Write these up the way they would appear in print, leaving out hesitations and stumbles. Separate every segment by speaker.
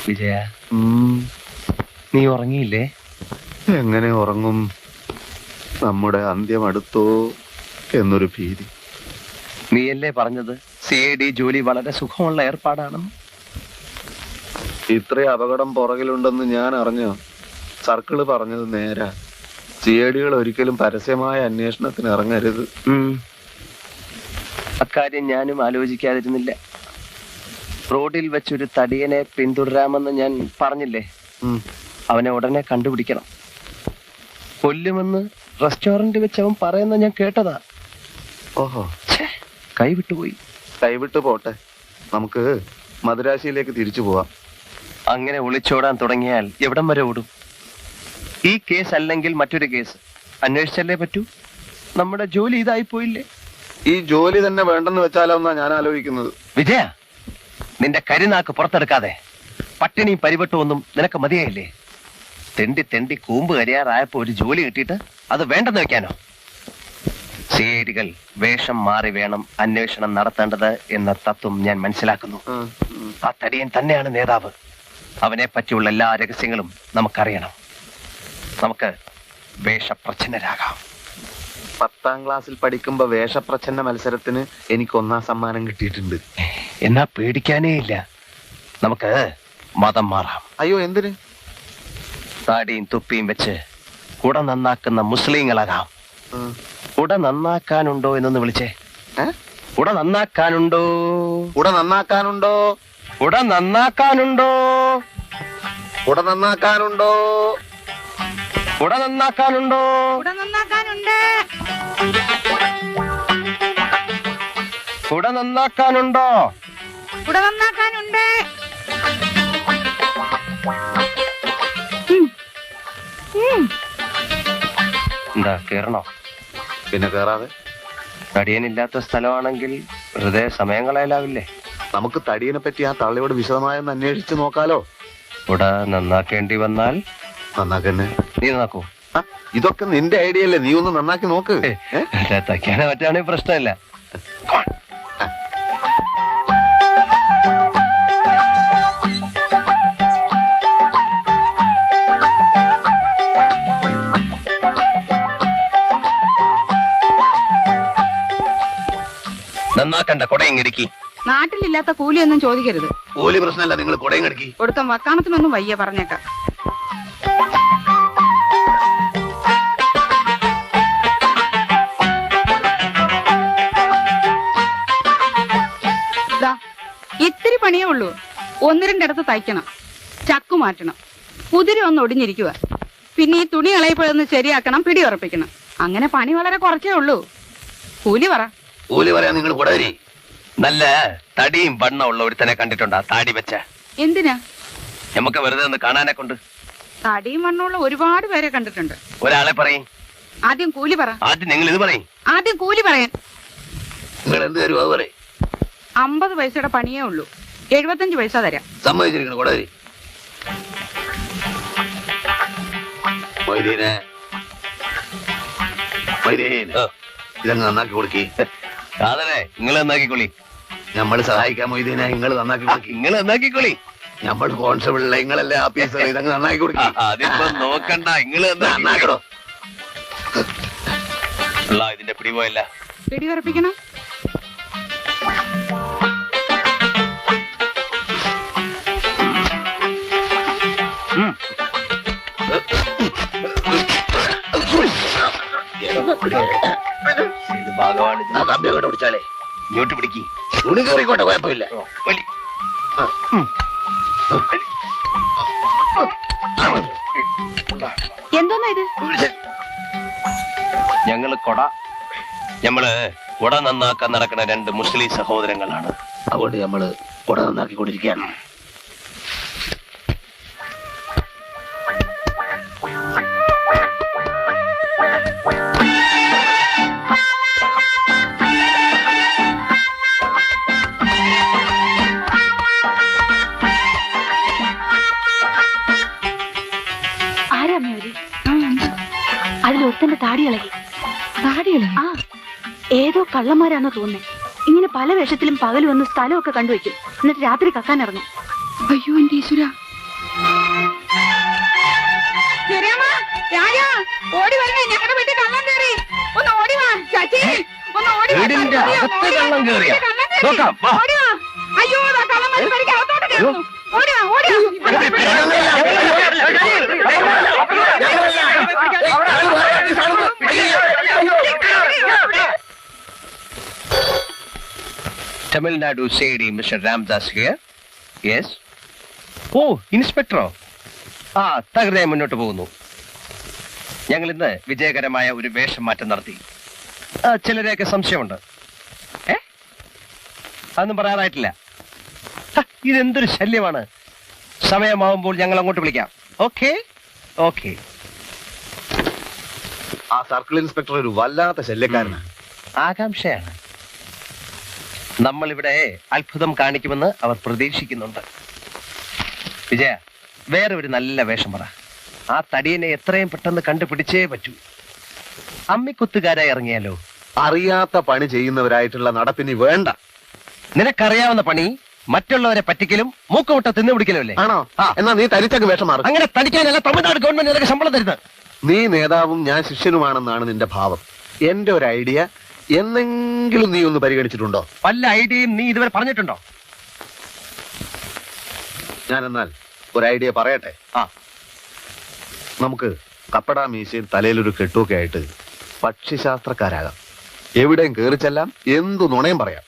Speaker 1: വിജയ, നീ ഉറങ്ങിയില്ലേ?
Speaker 2: എങ്ങനെ ഉറങ്ങും? നമ്മുടെ അന്ത്യം അടുത്തോ എന്നൊരു ഭീതി.
Speaker 1: നീയല്ലേ പറഞ്ഞത് CID ജോലി വളരെ സുഖമുള്ള ഏർപ്പാടാണെന്ന്?
Speaker 2: ഇത്രയും അപകടം പുറകിലുണ്ടെന്ന് ഞാൻ അറിഞ്ഞോ? സർക്കിള് പറഞ്ഞത് നേരാ. CIDകൾ ഒരിക്കലും പരസ്യമായ അന്വേഷണത്തിന് ഇറങ്ങരുത്.
Speaker 1: അക്കാര്യം ഞാനും ആലോചിക്കാതിരുന്നില്ല. റോഡിൽ വെച്ചൊരു തടിയനെ പിന്തുടരാമെന്ന് ഞാൻ പറഞ്ഞില്ലേ? അവനെ ഉടനെ കണ്ടുപിടിക്കണം. കൊല്ലുമെന്ന് റെസ്റ്റോറന്റ് വെച്ച് അവൻ പറയുന്ന ഞാൻ കേട്ടതാ.
Speaker 2: ഓഹോ,
Speaker 1: കൈവിട്ടുപോയി.
Speaker 2: കൈവിട്ടു പോട്ടെ, നമുക്ക് മദുരാശിയിലേക്ക് തിരിച്ചു പോവാം.
Speaker 1: അങ്ങനെ ഒളിച്ചോടാൻ തുടങ്ങിയാൽ എവിടം വരെ ഓടും? ഈ കേസ് അല്ലെങ്കിൽ മറ്റൊരു കേസ് അന്വേഷിച്ചല്ലേ പറ്റൂ. നമ്മുടെ ജോലി ഇതായി പോയില്ലേ?
Speaker 2: ഈ ജോലി തന്നെ വേണ്ടെന്ന് വെച്ചാലോ എന്നാ ഞാൻ ആലോചിക്കുന്നത്.
Speaker 1: വിജയ, നിന്റെ കരിനാക്ക് പുറത്തെടുക്കാതെ. പട്ടിണിയും പരിവട്ടമൊന്നും നിനക്ക് മതിയായില്ലേ? തെണ്ടി തെണ്ടി കൂമ്പ് കരിയാറായപ്പോ ഒരു ജോലി കിട്ടിയിട്ട് അത് വേണ്ടെന്ന് വെക്കാനോ? CIDകൾ വേഷം മാറി വേണം അന്വേഷണം നടത്തേണ്ടത് എന്ന തത്വം ഞാൻ മനസ്സിലാക്കുന്നു. ആ തടിയൻ തന്നെയാണ് നേതാവ്. അവനെ പറ്റിയുള്ള എല്ലാ രഹസ്യങ്ങളും നമുക്കറിയണം. നമുക്ക് വേഷപ്രച്ഛന്നരാകാം.
Speaker 2: 10ാം ക്ലാസ്സിൽ പഠിക്കുമ്പോ വേഷപ്രച്ഛന്ന മത്സരത്തിന് എനിക്ക് 1ാം സമ്മാനം കിട്ടിയിട്ടുണ്ട്.
Speaker 1: എന്നാ പേടിക്കാനേ ഇല്ല. നമുക്ക് മതം മാറാം.
Speaker 2: അയ്യോ, എന്തിന്?
Speaker 1: താടിയും തുപ്പിയും വെച്ച് കുട നന്നാക്കുന്ന മുസ്ലിങ്ങളാകാം. കുട നന്നാക്കാനുണ്ടോ എന്നൊന്ന് വിളിച്ചേ. കുട നന്നാക്കാനുണ്ടോ?
Speaker 2: കുട നന്നാക്കാനുണ്ടോ?
Speaker 1: കുട നന്നാക്കാനുണ്ടോ?
Speaker 2: കുട നന്നാക്കാനുണ്ടോ?
Speaker 1: കുട നന്നാക്കാനുണ്ടോ?
Speaker 3: കുട നന്നാക്കാനുണ്ട്.
Speaker 1: കുട നന്നാക്കാനുണ്ടോ?
Speaker 3: കുട നന്നാക്കാനുണ്ട്.
Speaker 1: എന്താ കേറണോ?
Speaker 2: പിന്നെ കേറാതെ.
Speaker 1: തടിയനില്ലാത്ത സ്ഥലമാണെങ്കിൽ വെറുതെ സമയം കളയലാവില്ലേ?
Speaker 2: നമുക്ക് തടിയനെ പറ്റി ആ തള്ളിയോട് വിശദമായൊന്ന് അന്വേഷിച്ച് നോക്കാലോ.
Speaker 1: കുട നന്നാക്കേണ്ടി വന്നാൽ
Speaker 2: നന്നാക്കന്നെ.
Speaker 1: നീ നന്നാക്കൂ.
Speaker 2: ഇതൊക്കെ നിന്റെ ഐഡിയ അല്ലേ? നീ ഒന്ന് നന്നാക്കി നോക്ക്.
Speaker 1: തയ്ക്കാനോ മറ്റാണെങ്കിൽ പ്രശ്നമില്ല. നന്നാക്കണ്ട, കൊടയും കിടക്കി.
Speaker 3: നാട്ടിലില്ലാത്ത കൂലിയൊന്നും ചോദിക്കരുത്.
Speaker 2: കൂലി പ്രശ്നമല്ല, നിങ്ങൾ കൊടയും കിടക്കി.
Speaker 3: കൊടുത്ത വക്കാണത്തിനൊന്നും വയ്യ പറഞ്ഞേക്കാം. ഇത്തിരി പണിയേ ഉള്ളൂ. 1-2 ഇടത്ത് തയ്ക്കണം, ചക്കു മാറ്റണം, കുതിര ഒന്ന് ഒടിഞ്ഞിരിക്കുക. പിന്നെ ഈ തുണി ഇളയപ്പോഴൊന്ന് ശരിയാക്കണം, പിടി ഉറപ്പിക്കണം. അങ്ങനെ പണി വളരെ കുറച്ചേ ഉള്ളൂ. കൂലി പറ.
Speaker 2: കൂലി പറയാൻ നിങ്ങൾ കൊടവരി.
Speaker 1: നല്ല തടിയും വണ്ണം ഉള്ള ഒരുത്തനെ കണ്ടിട്ടുണ്ടാ? താടി വെച്ച.
Speaker 3: എന്തിനാ?
Speaker 1: നമുക്ക് വെറുതെ ഒന്ന് കാണാനെ കൊണ്ട്.
Speaker 3: തടിയും വണ്ണമുള്ള ഒരുപാട് പേരെ കണ്ടിട്ടുണ്ട്.
Speaker 1: ഒരാളെ പറയും.
Speaker 3: ആദ്യം കൂലി പറ.
Speaker 1: ആദ്യം നിങ്ങൾ ഇത് പറയും.
Speaker 3: ആദ്യം കൂലി പറയാൻ.
Speaker 2: നിങ്ങൾ എന്ത് തരും അത് പറയും.
Speaker 3: 50 പൈസയുടെ പണിയേ ഉള്ളൂ. 75 പൈസ തരാം.
Speaker 2: സമ്മതിച്ചിരിക്കണം കൊടവരി. ഇതങ്ങ് നന്നാക്കി കൊടുക്കി.
Speaker 1: കാതലേ, നിങ്ങൾ നന്നാക്കിക്കൊള്ളി.
Speaker 2: നമ്മൾ സഹായിക്കാൻ മൊയ്തീനെ, നിങ്ങൾ നന്നാക്കി കൊടുക്കി.
Speaker 1: നിങ്ങൾ നന്നാക്കിക്കൊള്ളി.
Speaker 2: നമ്മൾ കോൺസ്റ്റബിളിലെ നിങ്ങളല്ലേ ആഫീസർ, ഇതങ്ങ് നന്നാക്കി കൊടുക്കി.
Speaker 1: അതിപ്പോ നോക്കണ്ട, നിങ്ങൾ
Speaker 2: നന്നാക്കണോ?
Speaker 1: ഇതിന്റെ പിടി പോയല്ല.
Speaker 3: പിടി ഉറപ്പിക്കണം.
Speaker 1: കമ്പിയോട്ട് പിടിച്ചാലേ ഇങ്ങോട്ട് പിടിക്കി.
Speaker 2: തുണി കയറിക്കോട്ടെ, കുഴപ്പമില്ല.
Speaker 3: എന്തോന്നാ ഇത്?
Speaker 1: ഞങ്ങള് കുട നന്നാക്കാൻ നടക്കുന്ന 2 മുസ്ലിം സഹോദരങ്ങളാണ്.
Speaker 2: അതുകൊണ്ട് നമ്മള് കുട നന്നാക്കിക്കൊണ്ടിരിക്കുകയാണ്.
Speaker 4: അതിലൊരുത്തന്റെ താടി ഇളകി. ആ, ഏതോ കള്ളന്മാരാണോ തോന്നുന്നേ. ഇങ്ങനെ പല വേഷത്തിലും പകൽ വന്ന് സ്ഥലമൊക്കെ കണ്ടുവയ്ക്കും, എന്നിട്ട് രാത്രി കക്കാൻ ഇറങ്ങും.
Speaker 3: അയ്യോ എന്റെ ഈശ്വര, ചെറിയമ്മ, രാജാ, ഓടി വരണേ, ഞങ്ങളുടെ വീട്ടിൽ കള്ളം കയറി. ഒന്ന് ഓടി വാ, ശശി, ഒന്ന് ഓടി വാ.
Speaker 1: വീടിന്റെ അകത്ത് കള്ളം കയറിയോ?
Speaker 3: കള്ളം കയറി.
Speaker 1: നോക്കാം, വാ.
Speaker 3: ഓടി വാ. അയ്യോ, ദാ കള്ളന്മാര് പെരയ്ക്ക് അകത്തോട്ട് കയറുന്നു. ഓടി വാ, ഓടി വാ.
Speaker 1: തമിഴ്നാടു സേഡി മിസ്റ്റർ രാംദാസ് ഹിയർ. യെസ്. ഓ, ഇൻസ്പെക്ടറോ? ആ, തകൃതിയായി മുന്നോട്ട് പോകുന്നു. ഞങ്ങൾ ഇന്ന് വിജയകരമായ ഒരു വേഷം മാറ്റം നടത്തി. ചിലരെയൊക്കെ സംശയമുണ്ട്. അതൊന്നും പറയാറായിട്ടില്ല. ഇതെന്തൊരു ശല്യമാണ്. സമയമാവുമ്പോൾ ഞങ്ങൾ അങ്ങോട്ട് വിളിക്കാം. Okay okay.
Speaker 2: ആ സർക്കിൾ ഇൻസ്പെക്ടർ ഒരു വല്ലാത്ത ശല്യക്കാരനാണ്.
Speaker 1: ആകാംക്ഷയാണ്. നമ്മളിവിടെ അത്ഭുതം കാണിക്കുമെന്ന് അവർ പ്രതീക്ഷിക്കുന്നുണ്ട്. വിജയ, വേറെ ഒരു നല്ല വേഷം പറ. ആ തടിയനെ എത്രയും പെട്ടെന്ന് കണ്ടുപിടിച്ചേ പറ്റൂ. അമ്മിക്കുത്തുകാരായി ഇറങ്ങിയാലോ?
Speaker 2: അറിയാത്ത പണി ചെയ്യുന്നവരായിട്ടുള്ള നടപ്പിനി വേണ്ട.
Speaker 1: നിനക്കറിയാവുന്ന പണി മറ്റുള്ളവരെ പറ്റിക്കലും മൂക്കുമുട്ട തിന്നുപിടിക്കലും അല്ലേ?
Speaker 2: ആണോ?
Speaker 1: ആ.
Speaker 2: എന്നാ നീ തനിച്ചങ്ങ് വേഷം മാറും.
Speaker 1: അങ്ങനെ തടിക്കാനല്ല തമിഴ്നാട് ഗവൺമെന്റ് നിനക്ക് ശമ്പളം തരുന്നത്.
Speaker 2: നീ നേതാവും ഞാൻ ശിഷ്യനുമാണെന്നാണ് നിന്റെ ഭാവം. എന്റെ ഒരു ഐഡിയ എന്നെങ്കിലും നീ ഒന്ന് പരിഗണിച്ചിട്ടുണ്ടോ?
Speaker 1: വല്ല ഐഡിയയും നീ ഇതുവരെ പറഞ്ഞിട്ടുണ്ടോ?
Speaker 2: ഞാൻ എന്നാൽ ഒരു ഐഡിയ പറയട്ടെ.
Speaker 1: ആ,
Speaker 2: നമുക്ക് കപ്പട മീശയും തലയിലൊരു കെട്ടുമൊക്കെ ആയിട്ട് പക്ഷിശാസ്ത്രക്കാരാകാം. എവിടെയും കേറിച്ചെല്ലാം, എന്തു നുണയും പറയാം.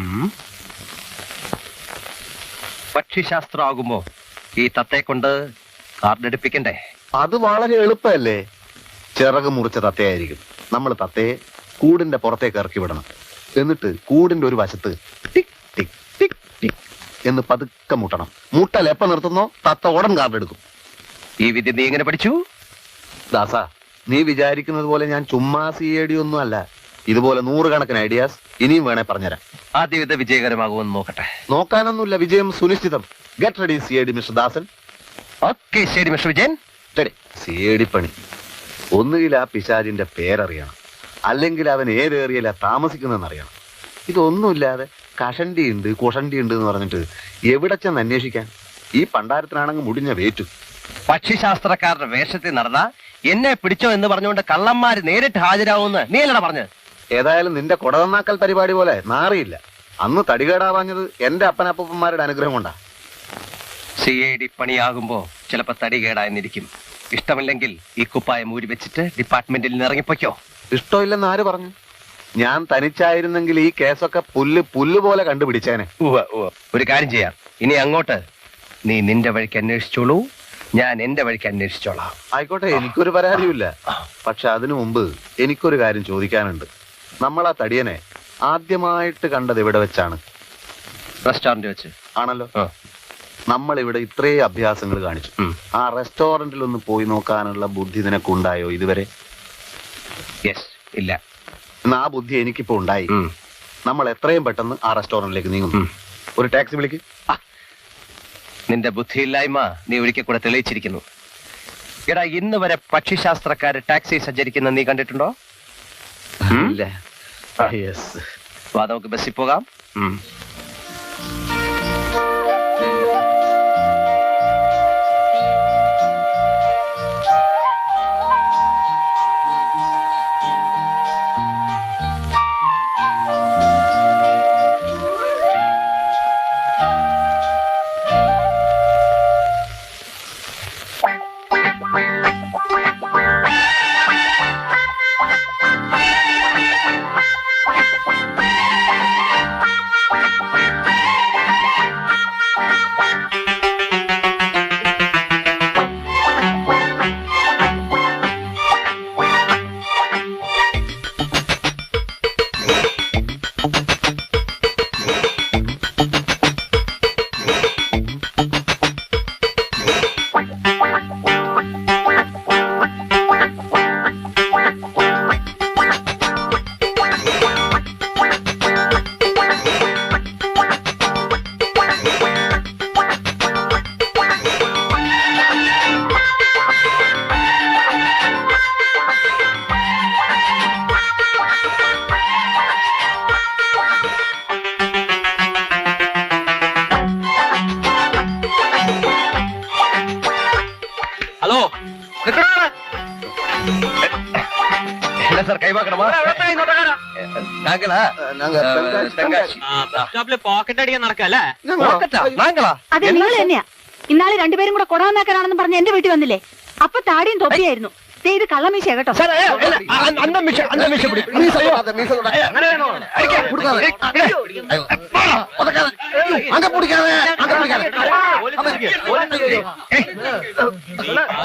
Speaker 1: പക്ഷിശാസ്ത്രം ആകുമ്പോ ഈ തത്തയെ കൊണ്ട് കാർഡെടുപ്പിക്കണ്ടേ?
Speaker 2: അത് വളരെ എളുപ്പമല്ലേ. ചിറക് മുറിച്ച തത്തയായിരിക്കും. നമ്മൾ തത്തയെ കൂടിന്റെ പുറത്തേക്ക് ഇറക്കി വിടണം. എന്നിട്ട് കൂടിന്റെ ഒരു വശത്ത് ടിക് ടിക് ടിക് ടിക് എന്ന് പതുക്കെ മുട്ടണം. മുട്ടൽ എപ്പ നിർത്തുന്നോ തത്ത ഉടൻ കാർഡെടുക്കും.
Speaker 1: ഈ വിദ്യ നീ എങ്ങനെ പഠിച്ചു?
Speaker 2: ദാസ, നീ വിചാരിക്കുന്നത് പോലെ ഞാൻ ചുമ്മാ CID ഒന്നും അല്ല. ഇതുപോലെ 100 കണക്കിന് ഐഡിയാസ് ഇനിയും വേണേ പറഞ്ഞുതരാം.
Speaker 1: ആദ്യം ഇത് വിജയകരമാകുമെന്ന് നോക്കട്ടെ.
Speaker 2: നോക്കാനൊന്നുമില്ല, വിജയം സുനിശ്ചിതം. Get ready CID mister Dasan.
Speaker 1: Okay, ശരി മിസ്റ്റർ വിജയൻ.
Speaker 2: റെഡി. CID പണി ഒന്നുകിൽ ആ പിശാചിന്റെ പേരറിയണം, അല്ലെങ്കിൽ അവൻ ഏത് ഏറിയല്ല താമസിക്കുന്നതെന്ന് അറിയണം. ഇതൊന്നുമില്ലാതെ കഷണ്ടി ഉണ്ട് കുഷണ്ടി ഉണ്ട് എന്ന് പറഞ്ഞിട്ട് എവിടെ ചെന്ന് അന്വേഷിക്കാൻ? ഈ പണ്ടാരത്തിനാണെങ്കിൽ മുടിഞ്ഞ വേറ്റു.
Speaker 1: പക്ഷിശാസ്ത്രക്കാരുടെ വേഷത്തിൽ നടന്ന എന്നെ പിടിച്ചോ എന്ന് പറഞ്ഞുകൊണ്ട് കള്ളന്മാര് നേരിട്ട് ഹാജരാവുമെന്ന് നീ അല്ലടാ പറഞ്ഞത്?
Speaker 2: ഏതായാലും നിന്റെ കൊടതന്നാക്കൽ പരിപാടി പോലെ നാറിയില്ല. അന്ന് തടികേടാവാഞ്ഞത് എന്റെ അപ്പനപ്പന്മാരുടെ അനുഗ്രഹം കൊണ്ടാ.
Speaker 1: CID പണിയാകുമ്പോ ചിലപ്പോ തടി കേടായെന്നിരിക്കും. ഇഷ്ടമില്ലെങ്കിൽ ഈ കുപ്പായം ഊരി വെച്ചിട്ട് ഡിപ്പാർട്ട്മെന്റിൽ നിന്ന് ഇറങ്ങിപ്പോയ്ക്കോ.
Speaker 2: ഇഷ്ടമില്ലെന്ന് ആര് പറഞ്ഞു? ഞാൻ തനിച്ചായിരുന്നെങ്കിൽ ഈ കേസൊക്കെ പുല്ല് പോലെ കണ്ടുപിടിച്ചേനെ.
Speaker 1: ഒരു കാര്യം ചെയ്യാം. ഇനി അങ്ങോട്ട് നീ നിന്റെ വഴിക്ക് അന്വേഷിച്ചോളൂ, ഞാൻ എന്റെ വഴിക്ക് അന്വേഷിച്ചോളാം.
Speaker 2: ആയിക്കോട്ടെ, എനിക്കൊരു പരാതിയുമില്ല. പക്ഷെ അതിനു മുമ്പ് എനിക്കൊരു കാര്യം ചോദിക്കാനുണ്ട്. നമ്മൾ ആ തടിയനെ ആദ്യമായിട്ട് കണ്ടത് എവിടെ വെച്ചാണ്?
Speaker 1: റെസ്റ്റോറന്റ് വെച്ച്
Speaker 2: ആണല്ലോ. നമ്മൾ ഇവിടെ ഇത്രയും അഭ്യാസങ്ങൾ കാണിച്ചു. ആ റെസ്റ്റോറന്റിൽ ഒന്ന് പോയി നോക്കാനുള്ള ബുദ്ധി നിനക്കുണ്ടായോ ഇതുവരെ?
Speaker 1: യെസ്. ഇല്ല.
Speaker 2: എന്നാ ആ ബുദ്ധി എനിക്കിപ്പോ ഉണ്ടായി. നമ്മൾ എത്രയും പെട്ടെന്ന് ആ റെസ്റ്റോറന്റിലേക്ക് നീങ്ങുന്നു. ഒരു ടാക്സി വിളിക്ക്.
Speaker 1: നിന്റെ ബുദ്ധിയില്ലായ്മ നീ ഒരിക്കൽ കൂടെ തെളിയിച്ചിരിക്കുന്നു. എടാ, ഇന്ന് വരെ പക്ഷിശാസ്ത്രക്കാര് ടാക്സി സഞ്ചരിക്കുന്ന നീ കണ്ടിട്ടുണ്ടോ?
Speaker 2: ഇല്ല. യെസ്.
Speaker 1: വാ, നമുക്ക് ബസ്സിൽ പോകാം. என்ன சார் கை பார்க்கணுமா? நாங்களா? തെങ്കാശി.
Speaker 5: പോക്കറ്റ് അടിക്കാൻ നടക്കല്ലേ?
Speaker 1: പോക്കറ്റാ? നാങ്ങളാ?
Speaker 4: അതെ നിങ്ങൾ തന്നെയാ. ഇന്നാളെ രണ്ടുപേരും കൂടെ കൊടാന്നാക്കാനാണെന്ന് പറഞ്ഞ് എന്റെ വീട്ടിൽ വന്നില്ലേ? അപ്പൊ താടിയും തൊപ്പിയായിരുന്നു. ദേ ഇത് കള്ളമീശ കേട്ടോ.
Speaker 1: சார், அந்த மிஷ பிடி. ப்ளீஸ் ஐயோ.
Speaker 2: அங்க பிடிக்காத